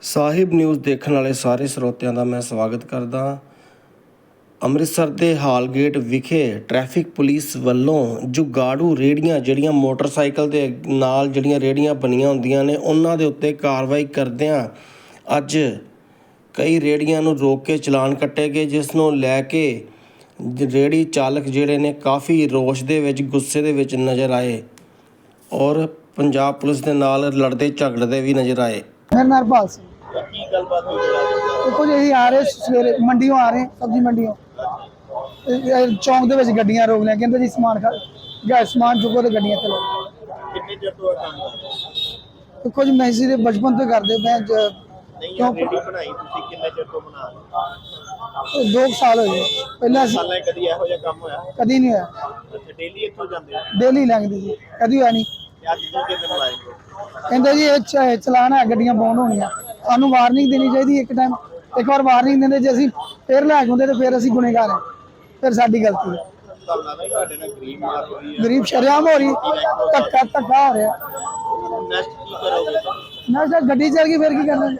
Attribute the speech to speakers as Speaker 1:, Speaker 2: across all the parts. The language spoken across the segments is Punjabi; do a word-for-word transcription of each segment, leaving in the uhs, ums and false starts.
Speaker 1: ਸਾਹਿਬ ਨਿਊਜ਼ ਦੇਖਣ ਵਾਲੇ ਸਾਰੇ ਸਰੋਤਿਆਂ ਦਾ ਮੈਂ ਸਵਾਗਤ ਕਰਦਾ। ਅੰਮ੍ਰਿਤਸਰ ਦੇ ਹਾਲਗੇਟ ਵਿਖੇ ਟ੍ਰੈਫਿਕ ਪੁਲਿਸ ਵੱਲੋਂ ਜੁਗਾੜੂ ਰੇਹੜੀਆਂ ਜਿਹੜੀਆਂ ਮੋਟਰਸਾਈਕਲ ਦੇ ਨਾਲ ਜਿਹੜੀਆਂ ਰੇਹੜੀਆਂ ਬਣੀਆਂ ਹੁੰਦੀਆਂ ਨੇ ਉਹਨਾਂ ਦੇ ਉੱਤੇ ਕਾਰਵਾਈ ਕਰਦਿਆਂ ਅੱਜ ਕਈ ਰੇਹੜੀਆਂ ਨੂੰ ਰੋਕ ਕੇ ਚਲਾਨ ਕੱਟੇ ਗਏ, ਜਿਸ ਨੂੰ ਲੈ ਕੇ ਰੇਹੜੀ ਚਾਲਕ ਜਿਹੜੇ ਨੇ ਕਾਫੀ ਰੋਸ਼ ਦੇ ਵਿੱਚ ਗੁੱਸੇ ਦੇ ਵਿੱਚ ਨਜ਼ਰ ਆਏ ਔਰ ਪੰਜਾਬ ਪੁਲਿਸ ਦੇ ਨਾਲ ਲੜਦੇ ਝਗੜਦੇ ਵੀ ਨਜ਼ਰ ਆਏ।
Speaker 2: मेरा नाम हरपाल सिंह।
Speaker 3: की गलबात हुई है?
Speaker 2: देखो जी आ रहे सवेरे मंडियों आ रहे सब्जी मंडियों चौंक दे विच गड्डियां रोक लिया, कहंदे जी समान खा गैस समान चुको तो गड्डियां चलो।
Speaker 3: कितने चਿਰ ਤੋਂ ਕੰਮ ਕਰ ਰਹੇ ਹੋ?
Speaker 2: देखो जी मैं इसी दे बचपन तो करदे मैं
Speaker 3: ਨਹੀਂ
Speaker 2: क्यों
Speaker 3: ਰੇਡੀ ਬਣਾਈ ਤੁਸੀਂ ਕਿੰਨੇ ਚਿਰ ਤੋਂ ਬਣਾ ਰਹੇ ਹੋ?
Speaker 2: दो कुछ साल हो गए पहले असीं
Speaker 3: ਸਾਲਾਂ 'ਚ ਕਦੀ ਇਹੋ ਜਿਹਾ ਕੰਮ ਹੋਇਆ?
Speaker 2: कदी नहीं होया,
Speaker 3: ਅੱਛਾ ਡੇਲੀ ਇੱਥੋਂ ਜਾਂਦੇ ਹੋ
Speaker 2: डेली लंघदी जी कदी होया नहीं।
Speaker 3: ਤੇ ਅੱਜ ਦੂਜੇ ਦਿਨ ਲਾਏ ਹੋ?
Speaker 2: कहंदे जी ये च- चलान है गड्डियां बंद होणियां, सानू वार्निंग देनी चाहिए एक टाइम, एक बार वार्निंग देंदे जे असीं फिर लै के आउंदे ते फिर असीं गुनहगार हैं, फिर साडी गलती है।
Speaker 3: ਤੁਹਾਨੂੰ ਲੱਗਦਾ ਤੁਹਾਡੇ ਨਾਲ ਗਰੀਬ ਮਾਰ ਹੋਈ ਹੈ?
Speaker 2: गरीब शरेआम हो रही धक्का धक्का हो रहा
Speaker 3: ਨੈਕਸਟ ਕੀ ਕਰੋਗੇ?
Speaker 2: ना सर गड्डी चल गई फिर की करना।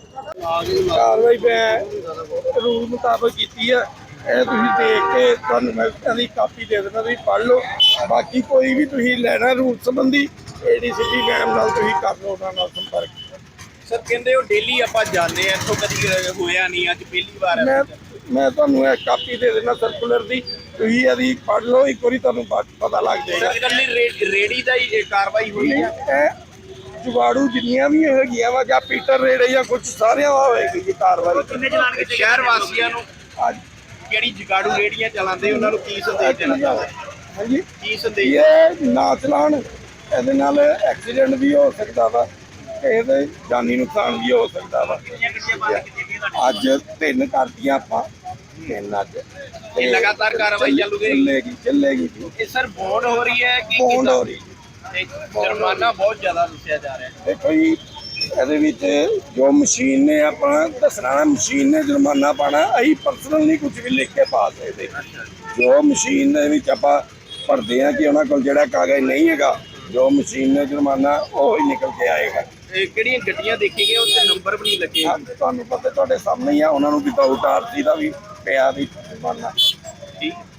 Speaker 4: ਕਾਰਵਾਈ ਮੈਂ ਰੂਲ ਮੁਤਾਬਕ ਕੀਤੀ ਹੈ। ਇਹ ਤੁਸੀਂ ਦੇਖ ਕੇ ਤੁਹਾਨੂੰ ਮੈਂ ਇਹਦੀ ਕਾਪੀ ਦੇ ਦੇਣਾ, ਤੁਸੀਂ ਪੜ੍ਹ ਲਓ। ਬਾਕੀ ਕੋਈ ਵੀ ਤੁਸੀਂ ਲੈਣਾ ਰੂਲ ਸੰਬੰਧੀ ਏਡੀਸੀਪੀ ਮੈਮ ਨਾਲ ਤੁਸੀਂ ਕਰ ਲਓ, ਉਹਨਾਂ ਨਾਲ ਸੰਪਰਕ।
Speaker 3: ਸਰ ਕਹਿੰਦੇ ਹੋ ਡੇਲੀ ਆਪਾਂ ਜਾਂਦੇ ਆ, ਇੱਥੋਂ ਕਦੀ ਹੋਇਆ ਨਹੀਂ, ਅੱਜ ਪਹਿਲੀ ਵਾਰ
Speaker 4: ਮੈਂ ਮੈਂ ਤੁਹਾਨੂੰ ਇਹ ਕਾਪੀ ਦੇ ਦੇਣਾ ਸਰਕੂਲਰ ਦੀ, ਤੁਸੀਂ ਇਹਦੀ ਪੜ੍ਹ ਲਓ, ਇੱਕ ਵਾਰੀ ਤੁਹਾਨੂੰ ਬਾਅਦ ਪਤਾ ਲੱਗ ਜਾਏਗਾ।
Speaker 3: ਸਰ ਇਕੱਲੀ ਰੇੜੀ ਦਾ ਹੀ ਕਾਰਵਾਈ ਹੋਈ ਹੈ?
Speaker 4: ਇਹ ਜੁਗਾੜੂ ਜਿੰਨੀਆਂ ਵੀ ਹੈਗੀਆਂ ਵਾ ਜਾਂ ਪੀਟਰ ਰੇੜੇ ਜਾਂ ਕੁਝ ਸਾਰਿਆਂ ਦਾ ਹੋਏਗੀ ਜੀ ਕਾਰਵਾਈ।
Speaker 3: ਕਿੰਨੇ ਚਲਾਨ ਕੀਤੇ? ਸ਼ਹਿਰ ਵਾਸੀਆਂ ਨੂੰ
Speaker 4: ਅੱਜ
Speaker 3: ਜਿਹੜੀ ਜਗਾੜੂ ਰੇੜੀਆਂ ਚਲਾਉਂਦੇ ਉਹਨਾਂ ਨੂੰ ਕੀ ਸੰਦੇਸ਼ ਦੇਣਾ ਚਾਹੁੰਦੇ?
Speaker 4: ਹਾਂਜੀ
Speaker 3: ਕੀ ਸੰਦੇਸ਼?
Speaker 4: ਇਹ ਨਾ ਚਲਾਉਣ, ਇਹਦੇ ਨਾਲ ਐਕਸੀਡੈਂਟ ਵੀ ਹੋ ਸਕਦਾ ਵਾ, ਇਹਦੇ ਜਾਨੀ ਨੁਕਸਾਨ ਵੀ ਹੋ ਸਕਦਾ ਵਾ।
Speaker 3: ਕਿੰਨੀਆਂ ਗੱਡੀਆਂ ਬੰਦ ਕੀਤੀਆਂ ਗਈਆਂ?
Speaker 4: ਅੱਜ ਤਿੰਨ ਕਰਤੀਆਂ ਆਪਾਂ, ਤਿੰਨ ਅੱਜ
Speaker 3: ਇਹ ਲਗਾਤਾਰ ਕਾਰਵਾਈ ਚੱਲੂ ਗਈ?
Speaker 4: ਚੱਲੇਗੀ ਚੱਲੇਗੀ ਜੀ।
Speaker 3: ਇਹ ਸਰ ਬੌਂਡ ਹੋ ਰਹੀ ਹੈ ਕਿ
Speaker 4: ਬੌਂਡ
Speaker 3: ਕਿੱਦਾਂ?
Speaker 4: ਹੋ ਰਹੀ
Speaker 3: ਤੇ ਜੁਰਮਾਨਾ ਬਹੁਤ ਜ਼ਿਆਦਾ ਦੱਸਿਆ ਜਾ ਰਿਹਾ ਹੈ।
Speaker 4: ਦੇਖੋ ਜੀ, ਇਹਦੇ ਵਿੱਚ ਜੋ ਮਸ਼ੀਨ ਨੇ ਆਪਣਾ ਦੱਸਣਾ ਨਾ, ਮਸ਼ੀਨ ਨੇ ਜੁਰਮਾਨਾ ਪਾਣਾ, ਅਸੀਂ ਪਰਸਨਲ ਨਹੀਂ ਕੁਝ ਵੀ ਲਿਖ ਕੇ ਪਾ ਸਕਦੇ। ਜੋ ਮਸ਼ੀਨ ਦੇ ਵਿੱਚ ਆਪਾਂ ਭਰਦੇ ਆ ਕਿ ਉਹਨਾਂ ਕੋਲ ਜਿਹੜਾ ਕਾਗਜ਼ ਨਹੀਂ ਹੈਗਾ, ਜੋ ਮਸ਼ੀਨ ਨੇ ਜੁਰਮਾਨਾ ਉਹ ਹੀ ਨਿਕਲ ਕੇ ਆਏਗਾ।
Speaker 3: ਇਹ ਕਿਹੜੀਆਂ ਗੱਡੀਆਂ ਦੇਖੀ ਗਈਆਂ ਉੱਤੇ ਨੰਬਰ ਵੀ ਨਹੀਂ ਲੱਗੇ?
Speaker 4: ਹਾਂ, ਤੁਹਾਨੂੰ ਪਤਾ ਤੁਹਾਡੇ ਸਾਹਮਣੇ ਹੀ ਆ, ਉਹਨਾਂ ਨੂੰ ਵਿਦਆਊਟ ਆਰਸੀ ਦਾ ਵੀ ਪਿਆ ਵੀ ਜੁਰਮਾਨਾ।
Speaker 3: ਠੀਕ।